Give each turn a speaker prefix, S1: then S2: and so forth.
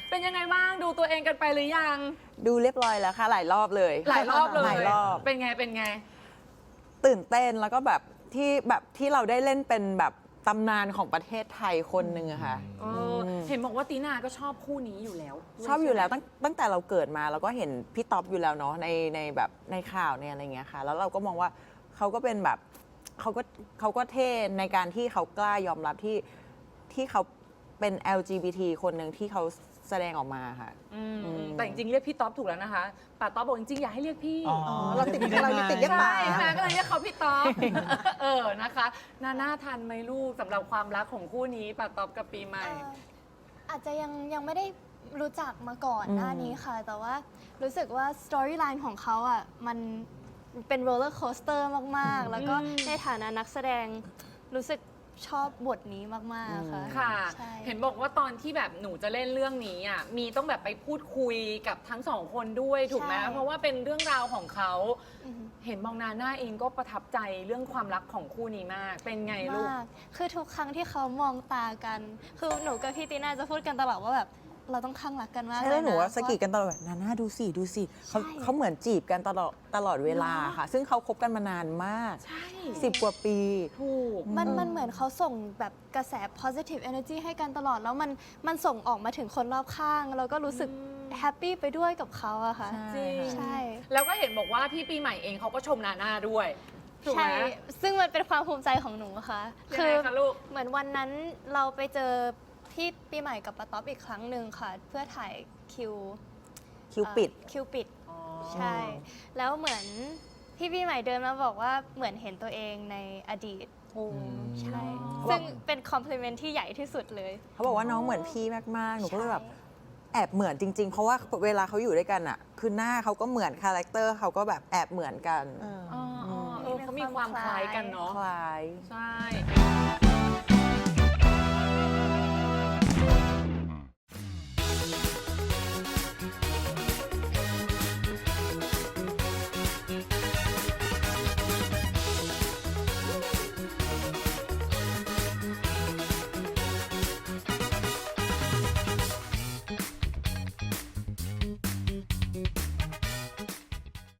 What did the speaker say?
S1: เป็นยังไงบ้างดูตัวเองกันไปหรือยัง
S2: ดูเรียบร้อยแล้วค่ะหลายรอบเลย
S1: หลายรอบเลย
S2: หลายรอบ
S1: เป็นไง
S2: ตื่นเต้นแล้วก็แบบที่เราได้เล่นเป็นแบบตำนานของประเทศไทยคนหนึ่งอะค่ะ
S1: เห็นบอกว่าตีนาก็ชอบคู่นี้อยู่แล้ว
S2: ชอบอยู่แล้วตั้งแต่เราเกิดมาเราก็เห็นพี่ต๊อบอยู่แล้วเนาะในแบบในข่าวในอะไรเงี้ยค่ะแล้วเราก็มองว่าเขาก็เป็นแบบเขาก็เท่ในการที่เขากล้ายอมรับที่เขาเป็น LGBT คนหนึ่งที่เขาแสดงออกมาค่ะ
S1: แต่จริงๆเรียกพี่ต๊อบถูกแล้วนะคะป้าต๊อบบอกจริงๆอยากให้เรียกพี่
S3: เราติดเรียกป้า
S1: ใช่ก็เลยเรียกเขาพี่ต๊อบนะคะน่าทันไหมลูกสำหรับความรักของคู่นี้ป้าต๊อบกับปีใหม่
S4: อาจจะยังไม่ได้รู้จักมาก่อนหน้านี้ค่ะแต่ว่ารู้สึกว่าสตอรี่ไลน์ของเขาอ่ะมันเป็นโรลเลอร์โคสเตอร์มากๆแล้วก็ในฐานะนักแสดงรู้สึกชอบบทนี้มากๆค่ะ
S1: ค่ะเห็นบอกว่าตอนที่แบบหนูจะเล่นเรื่องนี้อ่ะมีต้องแบบไปพูดคุยกับทั้งสองคนด้วยถูกไหมเพราะว่าเป็นเรื่องราวของเขาเห็นมองนาน่าเองก็ประทับใจเรื่องความรักของคู่นี้มากเป็นไงลูก
S4: คือทุกครั้งที่เขามองตากันคือหนูกับพี่ตีน่าจะพูดกันตลอดว่าแบบเราต้องข้างรักกันมาก
S2: ใช่แล้วหนูว่าสกีกันตลอดแบบนาน่าดูสิเขาเหมือนจีบกันตลอดเวลาค่ะซึ่งเขาคบกันมานานมาก10 กว่าปี
S1: ถูก
S4: มันเหมือนเขาส่งแบบกระแส positive energy ให้กันตลอดแล้วมันส่งออกมาถึงคนรอบข้างเราก็รู้สึกแฮปปี้ไปด้วยกับเขาอะค่ะ
S1: ใช่แล้วก็เห็นบอกว่าพี่ปีใหม่เองเขาก็ชมนาน่าด้วย
S4: ใช่ซึ่งมันเป็นความภูมิใจของหนูค่ะ
S1: คือ
S4: เหมือนวันนั้นเราไปเจอพี่ปีใหม่กับป้าต๊อบอีกครั้งหนึ่งค่ะเพื่อถ่ายคิวปิดใช่แล้วเหมือนพี่ปีใหม่เดินมาบอกว่าเหมือนเห็นตัวเองในอดีตใช่ซึ่งเป็นคอมพลีเมนต์ที่ใหญ่ที่สุดเลย
S2: เขาบอกว่าน้องเหมือนพี่มากๆหนูก็เลยแบบแอบเหมือนจริงๆเพราะว่าเวลาเขาอยู่ด้วยกันอะคือหน้าเขาก็เหมือนคาแรคเตอร์เขาก็แบบแอบเหมือนกัน
S1: เขามีความคล้ายกันเนาะ
S2: คล้าย
S1: ใช่